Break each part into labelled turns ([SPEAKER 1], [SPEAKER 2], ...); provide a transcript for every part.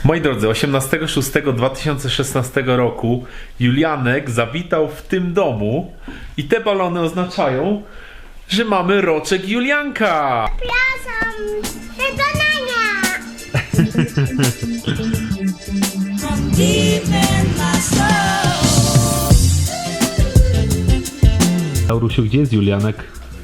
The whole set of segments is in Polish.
[SPEAKER 1] Moi drodzy, 18.06.2016 roku Julianek zawitał w tym domu i te balony oznaczają, że mamy roczek Julianka.
[SPEAKER 2] Przepraszam, wykonania!
[SPEAKER 1] Laurusiu, gdzie jest Julianek?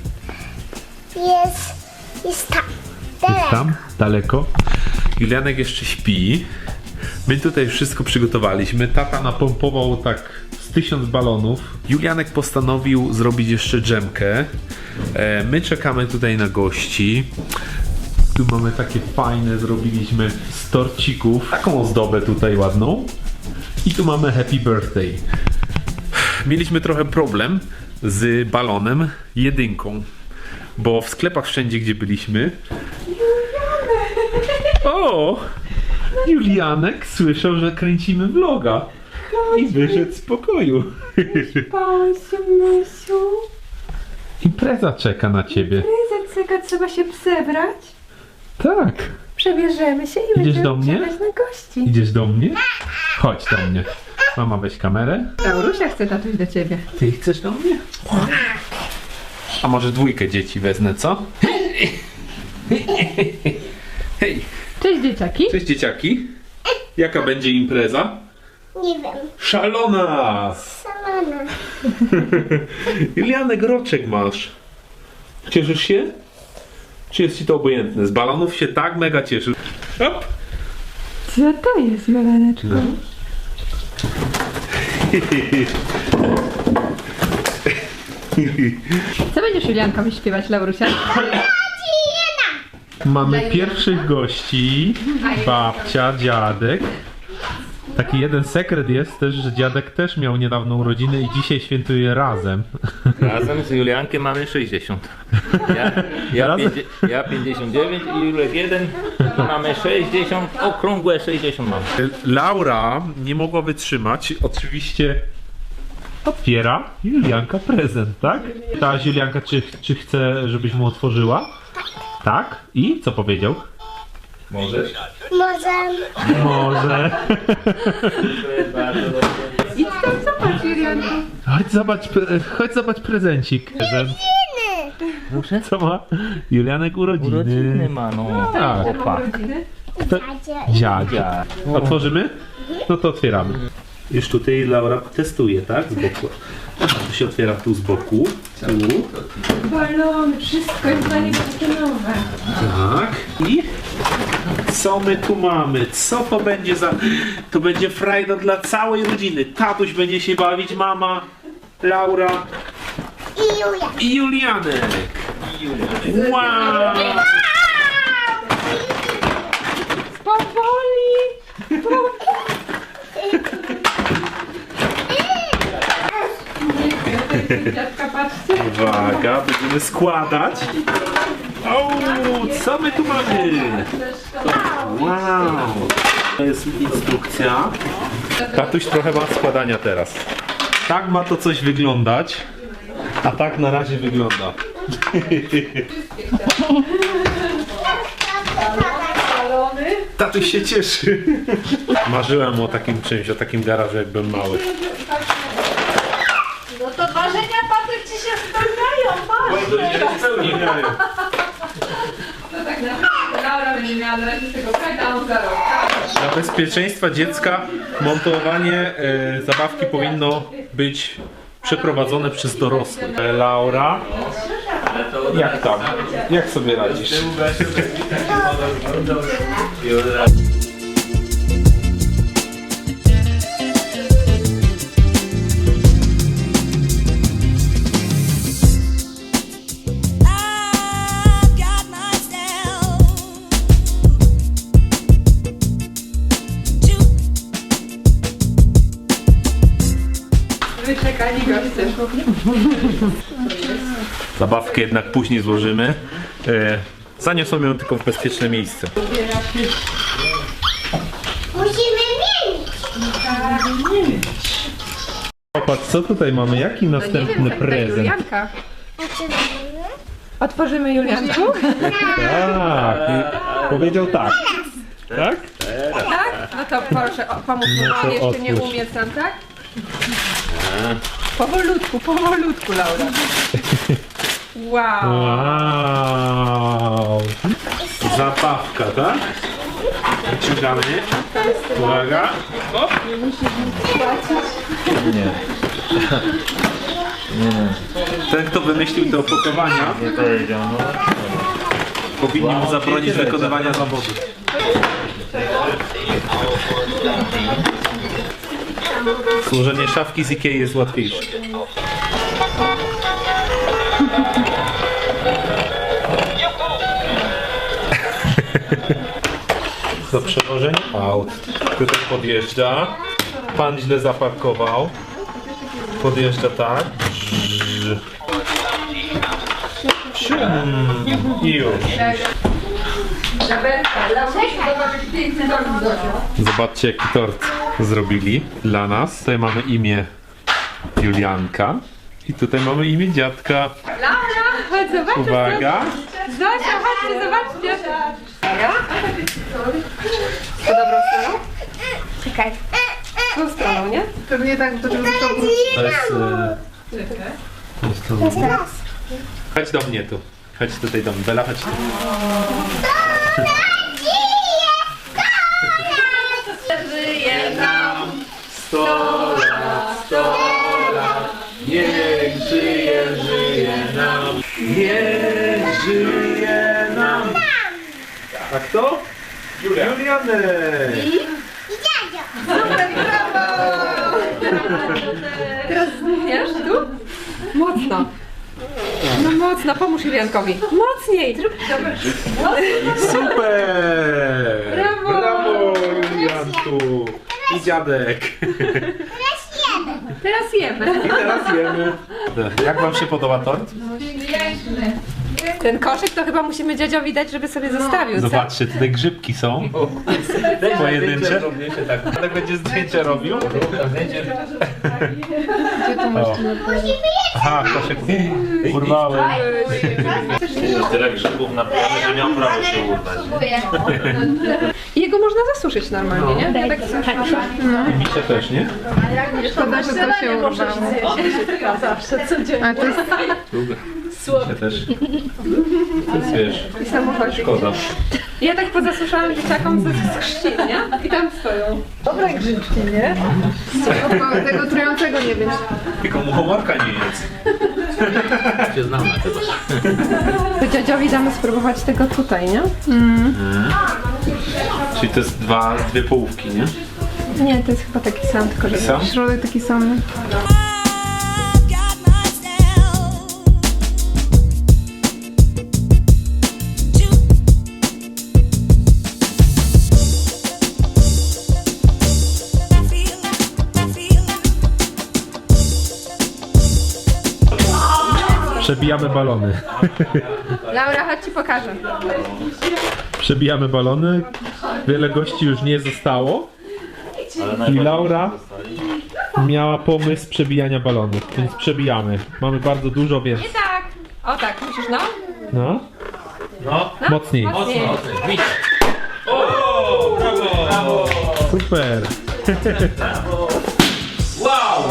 [SPEAKER 2] Jest tam.
[SPEAKER 1] Jest tam? Daleko? Julianek jeszcze śpi. My tutaj wszystko przygotowaliśmy. Tata napompował tak z 1000 balonów. Julianek postanowił zrobić jeszcze dżemkę. My czekamy tutaj na gości. Tu mamy takie fajne, zrobiliśmy z torcików. Taką ozdobę tutaj ładną. I tu mamy happy birthday. Mieliśmy trochę problem z balonem jedynką. Bo w sklepach wszędzie, gdzie byliśmy... O! Julianek słyszał, że kręcimy vloga. I wyszedł z pokoju.
[SPEAKER 3] Mysiu.
[SPEAKER 1] Impreza czeka na ciebie.
[SPEAKER 3] Prezent, trzeba się przebrać.
[SPEAKER 1] Tak.
[SPEAKER 3] Przebierzemy się i
[SPEAKER 1] Idziesz
[SPEAKER 3] będziemy
[SPEAKER 1] do mnie?
[SPEAKER 3] czekać na gości.
[SPEAKER 1] Idziesz do mnie? Chodź do mnie. Mama, weź kamerę.
[SPEAKER 3] Laurusia chce tatuś do ciebie.
[SPEAKER 1] Ty chcesz do mnie? A może dwójkę dzieci wezmę, co? Hej!
[SPEAKER 3] Cześć dzieciaki.
[SPEAKER 1] Cześć dzieciaki. Jaka będzie impreza?
[SPEAKER 2] Nie wiem,
[SPEAKER 1] Szalona!
[SPEAKER 2] salona.
[SPEAKER 1] Julianek, roczek masz. Cieszysz się? Czy jest ci to obojętne? Z balonów się tak mega cieszy. Hop!
[SPEAKER 3] Co to jest, Jolaneczko?
[SPEAKER 1] No.
[SPEAKER 3] Co będziesz Juliankowi śpiewać, Laurusia?
[SPEAKER 1] Mamy pierwszych gości. Babcia, dziadek. Taki jeden sekret jest też, że dziadek też miał niedawno urodziny i dzisiaj świętuje razem.
[SPEAKER 4] Razem z Juliankiem mamy 60. Ja 59 i Julek 1. Mamy 60, okrągłe 60 mamy.
[SPEAKER 1] Laura nie mogła wytrzymać. Oczywiście otwiera Julianka prezent, tak? Ta Julianka, czy chce, żebyś mu otworzyła? Tak? I co powiedział?
[SPEAKER 4] Możesz?
[SPEAKER 2] Może
[SPEAKER 1] Może.
[SPEAKER 3] Idź tam zobacz, Julianku.
[SPEAKER 1] Chodź zobacz prezencik. Prezent.
[SPEAKER 4] Muszę?
[SPEAKER 1] Co ma? Julianek urodziny.
[SPEAKER 4] Urodziny ma, no.
[SPEAKER 1] Tak.
[SPEAKER 4] Opa.
[SPEAKER 1] Dziadzia. Otworzymy? No to otwieramy. Już tutaj Laura testuje, tak? Z boku. To się otwiera tu z boku. Tu.
[SPEAKER 3] Balony, wszystko jest dla niego takie nowe.
[SPEAKER 1] Tak. I co my tu mamy? Co to będzie za... To będzie frajda dla całej rodziny. Tatuś będzie się bawić, mama, Laura
[SPEAKER 2] i Julia.
[SPEAKER 1] i Julianek. Wow!
[SPEAKER 3] Powoli! Dziadka, patrzcie.
[SPEAKER 1] Uwaga, będziemy składać. O, co my tu mamy? Wow! To jest instrukcja. Tatuś trochę ma składania teraz. Tak ma to coś wyglądać, a tak na razie wygląda.
[SPEAKER 3] Balony.
[SPEAKER 1] Tatuś się cieszy. Marzyłem o takim czymś, o takim garażu, jak byłem mały.
[SPEAKER 3] No to marzenia, Patryk, ci się spełniają, masz! No tak naprawdę Laura będzie miała na razie z tego frajda, a on za rok.
[SPEAKER 1] Dla bezpieczeństwa dziecka montowanie zabawki powinno być przeprowadzone przez dorosłych. Laura, jak tam? Jak sobie radzisz?
[SPEAKER 3] Wyczekali goście.
[SPEAKER 1] Zabawkę jednak później złożymy. Zaniosą ją tylko w bezpieczne miejsce.
[SPEAKER 2] Musimy mieć.
[SPEAKER 1] Popatrz, co tutaj mamy? Jaki następny prezent?
[SPEAKER 3] Julianka.
[SPEAKER 2] A czy robimy?
[SPEAKER 3] Otworzymy Julianku?
[SPEAKER 1] Tak, powiedział tak. Tak?
[SPEAKER 3] Tak? No to proszę, pomóż mu,
[SPEAKER 1] No to
[SPEAKER 3] on jeszcze nie
[SPEAKER 1] otwórz.
[SPEAKER 3] umie sam, tak? Powolutku, Laura. Wow.
[SPEAKER 1] Wow! Zabawka, tak? Wyciągamy. Uwaga. O!
[SPEAKER 4] Nie.
[SPEAKER 1] Ten, kto wymyślił te opakowania,
[SPEAKER 4] Nie powiedział, no.
[SPEAKER 1] powinni mu zabronić wykonywania zawodu. Złożenie szafki z Ikei jest łatwiejsze. Do przewożenia aut. Tutaj podjeżdża. Pan źle zaparkował. Podjeżdża tak. I już. Zobaczcie, jaki tort zrobili dla nas. Tutaj mamy imię Julianka. I tutaj mamy imię dziadka.
[SPEAKER 3] Laura, chodź zobaczyć.
[SPEAKER 1] Uwaga.
[SPEAKER 3] Zosia, chodźcie, zobaczcie. Ja? Po dobrą stroną?
[SPEAKER 2] Czekaj.
[SPEAKER 3] Tą stroną, nie? Pewnie tak, to żeby to...
[SPEAKER 1] To jest... Chodź do mnie tu. Chodź tutaj do mnie. Bela, chodź tu.
[SPEAKER 3] Żyje nam.
[SPEAKER 1] 100 lat, 100 lat. Niech żyje, żyje nam. Niech żyje nam. A kto? Julianek.
[SPEAKER 3] Super, brawo! Teraz wiesz, tu? Mocno. No mocno, pomóż Juliankowi. Mocniej!
[SPEAKER 1] Super!
[SPEAKER 3] Brawo!
[SPEAKER 1] Brawo, Julianku! I dziadek.
[SPEAKER 3] Teraz jemy.
[SPEAKER 1] I teraz jemy. Jak wam się podoba tort?
[SPEAKER 3] Ten koszyk to chyba musimy dziadziowi dać, żeby sobie zostawił, co?
[SPEAKER 1] Zobaczcie, tutaj grzybki są. Pojedyncze. Ale będzie zdjęcie robił. O. Aha, koszyk urwałem.
[SPEAKER 4] Tyle grzybów na planie, że miał prawo się urwać.
[SPEAKER 3] I jego można zasuszyć normalnie, nie? Ja tak słyszałam.
[SPEAKER 1] Misie też, nie?
[SPEAKER 3] Szkoda, że to się urwało. Zawsze, codziennie. A to jest
[SPEAKER 1] Misie też. To jest, wiesz,
[SPEAKER 3] samochodzik.
[SPEAKER 1] szkoda.
[SPEAKER 3] Ja tak pozasuszałam dzieciakom ze chrzcin, nie? I tam stoją. Dobre grzybki, nie? Tego trującego nie wiem.
[SPEAKER 1] Tylko muchomorka nie jest. Się znam na tego.
[SPEAKER 3] To dziadziowi damy spróbować tego tutaj, nie?
[SPEAKER 1] Czyli to jest dwie połówki, nie?
[SPEAKER 3] Nie, to jest chyba taki sam, tylko że
[SPEAKER 1] sam?
[SPEAKER 3] środek taki sam.
[SPEAKER 1] Przebijamy balony.
[SPEAKER 3] Laura, chodź ci pokażę.
[SPEAKER 1] Przebijamy balony. Wiele gości już nie zostało. I Laura miała pomysł przebijania balonów, więc przebijamy. Mamy bardzo dużo, więc...
[SPEAKER 3] Nie tak. O tak, musisz no.
[SPEAKER 1] No.
[SPEAKER 4] No,
[SPEAKER 1] Mocniej.
[SPEAKER 3] Mocniej.
[SPEAKER 4] widzę. O, brawo!
[SPEAKER 1] Super.
[SPEAKER 4] Wow!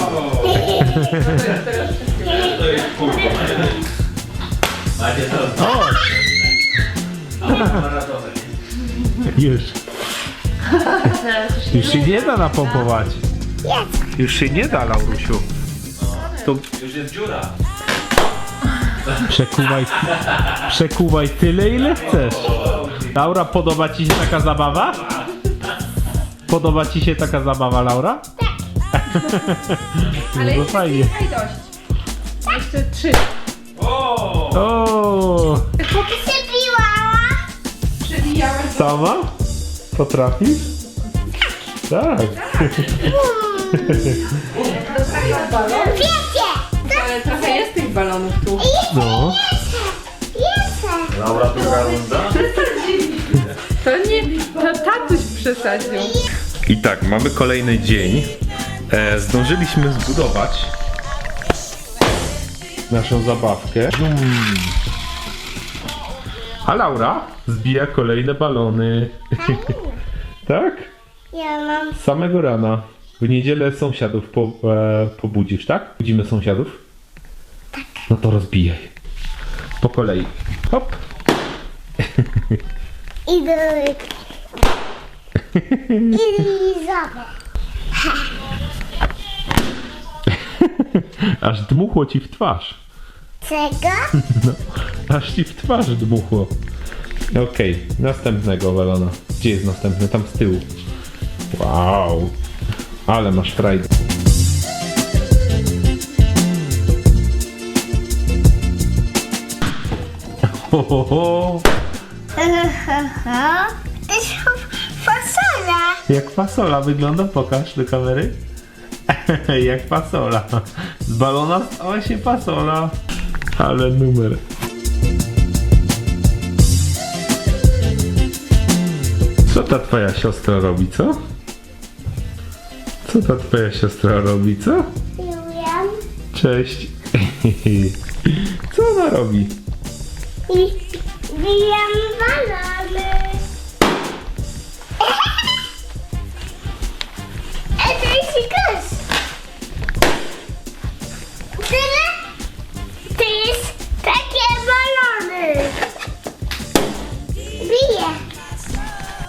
[SPEAKER 4] To jest kurwa. Macie to.
[SPEAKER 1] O! Już. Już się nie da napompować. Już się nie da, Laurusiu. To
[SPEAKER 4] Już jest dziura.
[SPEAKER 1] przekuwaj tyle, ile chcesz. Laura, podoba ci się taka zabawa? Podoba ci się taka zabawa, Laura?
[SPEAKER 3] Ale
[SPEAKER 1] No
[SPEAKER 3] jeszcze
[SPEAKER 1] fajnie.
[SPEAKER 3] kilka i dość. Jeszcze 3.
[SPEAKER 1] O!
[SPEAKER 2] Przebiłam.
[SPEAKER 1] Sama? Potrafisz? Tak.
[SPEAKER 2] Wiecie!
[SPEAKER 3] Ale trochę jest tych balonów tu.
[SPEAKER 1] No.
[SPEAKER 4] Laura, druga runda.
[SPEAKER 3] To nie, to tatuś przesadził.
[SPEAKER 1] I tak, mamy kolejny dzień. Zdążyliśmy zbudować naszą zabawkę. A Laura zbija kolejne balony. Tak?
[SPEAKER 5] Ja mam.
[SPEAKER 1] Z samego rana. W niedzielę sąsiadów pobudzisz, tak? Budzimy sąsiadów? Tak. No to rozbijaj. Po kolei. Hop.
[SPEAKER 5] I drugi. I lizawę.
[SPEAKER 1] Aż dmuchło ci w twarz.
[SPEAKER 5] Czego?
[SPEAKER 1] No, aż ci w twarz dmuchło. Okej, następnego balona. Gdzie jest następny? Tam z tyłu. Wow. Ale masz frajdę. Ho, ho, ho.
[SPEAKER 5] To jest fasola.
[SPEAKER 1] Jak fasola wygląda? Pokaż do kamery. Jak fasola. Z balona stała się fasola. Ale numer. Co ta twoja siostra robi, co? Co ta twoja siostra robi, co?
[SPEAKER 5] Julian.
[SPEAKER 1] Cześć. Co ona robi?
[SPEAKER 5] I bijam balony.